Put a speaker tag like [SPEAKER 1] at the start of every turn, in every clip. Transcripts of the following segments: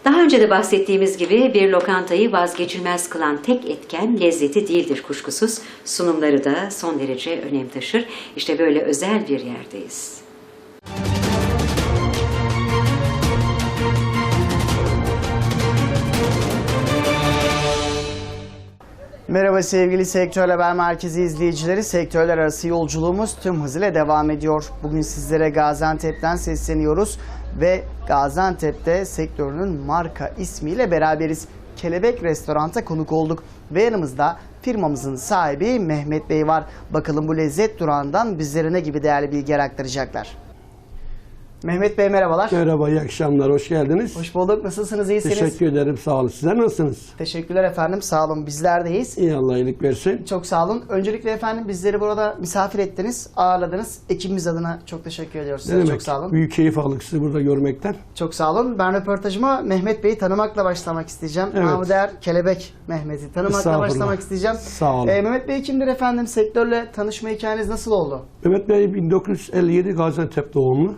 [SPEAKER 1] Daha önce de bahsettiğimiz gibi bir lokantayı vazgeçilmez kılan tek etken lezzeti değildir kuşkusuz. Sunumları da son derece önem taşır. İşte böyle özel bir yerdeyiz.
[SPEAKER 2] Merhaba sevgili Sektör Haber Merkezi izleyicileri. Sektörler arası yolculuğumuz tüm hızıyla devam ediyor. Bugün sizlere Gaziantep'ten sesleniyoruz ve Gaziantep'te sektörünün marka ismiyle beraberiz. Kelebek Restorant'a konuk olduk ve yanımızda firmamızın sahibi Mehmet Bey var. Bakalım bu lezzet durağından bizlere ne gibi değerli bilgiler aktaracaklar. Mehmet Bey merhabalar.
[SPEAKER 3] Merhaba, iyi akşamlar, hoş geldiniz.
[SPEAKER 2] Hoş bulduk. Nasılsınız, iyisiniz?
[SPEAKER 3] Teşekkür ederim, sağ olun. Sizler nasılsınız?
[SPEAKER 2] Teşekkürler efendim, sağ olun. Bizler de iyiyiz.
[SPEAKER 3] İyi, Allah iyilik versin.
[SPEAKER 2] Çok sağ olun. Öncelikle efendim bizleri burada misafir ettiniz, ağırladınız. Ekibimiz adına çok teşekkür ediyoruz size. Çok sağ olun.
[SPEAKER 3] Büyük keyif aldık sizi burada görmekten.
[SPEAKER 2] Çok sağ olun. Ben röportajıma Mehmet Bey'i tanımakla başlamak isteyeceğim.
[SPEAKER 3] Evet.
[SPEAKER 2] Namı değer Kelebek Mehmet'i tanımakla başlamak isteyeceğim.
[SPEAKER 3] Sağ olun.
[SPEAKER 2] Mehmet Bey kimdir efendim? Sektörle tanışma hikayeniz nasıl oldu?
[SPEAKER 3] Mehmet Bey 1957 Gaziantep doğumlu.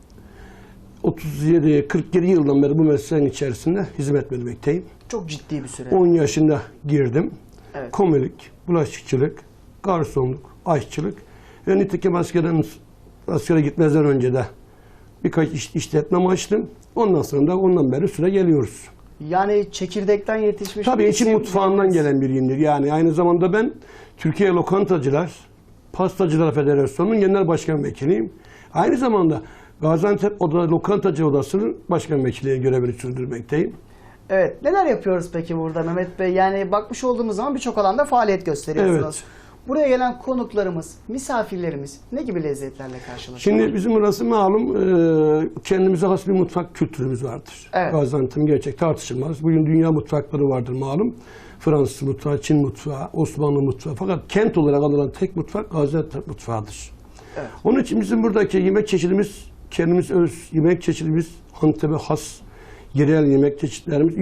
[SPEAKER 3] 47 yıldan beri bu mesleğin içerisinde hizmet vermekteyim.
[SPEAKER 2] Çok ciddi bir süre.
[SPEAKER 3] 10 yaşında girdim.
[SPEAKER 2] Evet.
[SPEAKER 3] Komilik, bulaşıkçılık, garsonluk, aşçılık ve nitekim askere gitmezden önce de birkaç işletme açtım. Ondan beri süre geliyoruz.
[SPEAKER 2] Yani çekirdekten yetişmiş.
[SPEAKER 3] Tabii
[SPEAKER 2] bir
[SPEAKER 3] için
[SPEAKER 2] isim
[SPEAKER 3] mutfağından
[SPEAKER 2] Mehmet.
[SPEAKER 3] gelen biriyimdir. Yani aynı zamanda ben Türkiye Lokantacılar, Pastacılar Federasyonu'nun genel başkan vekiliyim. Aynı zamanda Gaziantep Lokantacı Odası'nın başkan vekili görevini sürdürmekteyim.
[SPEAKER 2] Evet. Neler yapıyoruz peki burada Mehmet Bey? Yani bakmış olduğumuz zaman birçok alanda faaliyet gösteriyorsunuz.
[SPEAKER 3] Evet.
[SPEAKER 2] Buraya gelen konuklarımız, misafirlerimiz ne gibi lezzetlerle karşılaşıyor?
[SPEAKER 3] Şimdi bizim burası malum kendimize has bir mutfak kültürümüz vardır.
[SPEAKER 2] Evet.
[SPEAKER 3] Gaziantep'in gerçek tartışılmaz. Bugün dünya mutfakları vardır malum. Fransız mutfağı, Çin mutfağı, Osmanlı mutfağı. Fakat kent olarak alınan tek mutfak Gaziantep mutfağıdır. Evet. Onun için bizim buradaki yemek çeşidimiz, kendimiz öz yemek çeşidimiz, Antep'e has yerel yemek çeşitlerimiz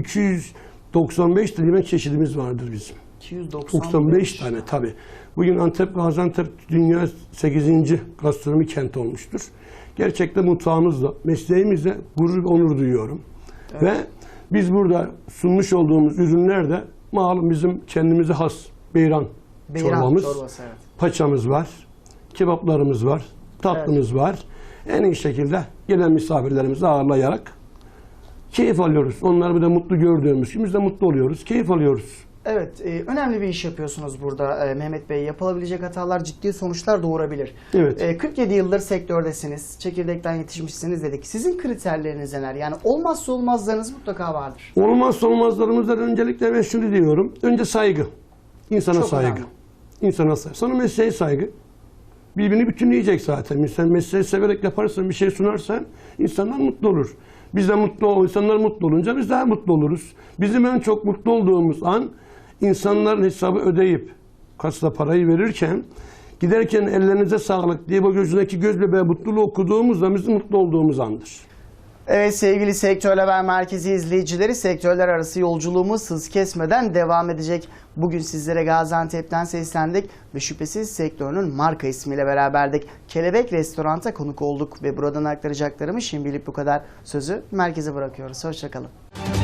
[SPEAKER 3] 295 tane yemek çeşidimiz vardır bizim. 295 tane tabii. Bugün Gaziantep dünya 8. gastronomi kenti olmuştur. Gerçekten mutfağımızla, mesleğimizle gurur ve onur duyuyorum. Evet. Ve biz burada sunmuş olduğumuz ürünler de malum bizim kendimize has beyran çorbamız,
[SPEAKER 2] çorbası, evet.
[SPEAKER 3] Paçamız var, kebaplarımız var, tatlımız var. En iyi şekilde gelen misafirlerimizi ağırlayarak keyif alıyoruz. Onları bir de mutlu gördüğümüz gibi biz de mutlu oluyoruz, keyif alıyoruz.
[SPEAKER 2] Evet, önemli bir iş yapıyorsunuz burada Mehmet Bey. Yapılabilecek hatalar ciddi sonuçlar doğurabilir.
[SPEAKER 3] Evet.
[SPEAKER 2] 47 yıldır sektördesiniz, çekirdekten yetişmişsiniz dedik. Sizin kriterleriniz neler? Yani olmazsa olmazlarınız mutlaka vardır.
[SPEAKER 3] Olmazsa olmazlarımızdan öncelikle ben şunu diyorum. Önce saygı. İnsana
[SPEAKER 2] Çok
[SPEAKER 3] saygı.
[SPEAKER 2] önemli.
[SPEAKER 3] İnsana saygı. Sonra mesleğe saygı. Birbirini bütünleyecek zaten. Sen mesleği severek yaparsan, bir şey sunarsan insanlar mutlu olur. Biz de insanlar mutlu olunca biz daha mutlu oluruz. Bizim en çok mutlu olduğumuz an insanların hesabı ödeyip kasada parayı verirken giderken ellerinize sağlık diye bu gözündeki göz bebeği mutluluğu okuduğumuzda bizim mutlu olduğumuz andır.
[SPEAKER 2] Evet sevgili Sektör Haber Merkezi izleyicileri, sektörler arası yolculuğumuz hız kesmeden devam edecek. Bugün sizlere Gaziantep'ten seslendik ve şüphesiz sektörünün marka ismiyle beraberdik. Kelebek Restorant'a konuk olduk ve buradan aktaracaklarımı şimdilik bu kadar. Sözü merkeze bırakıyoruz. Hoşça kalın.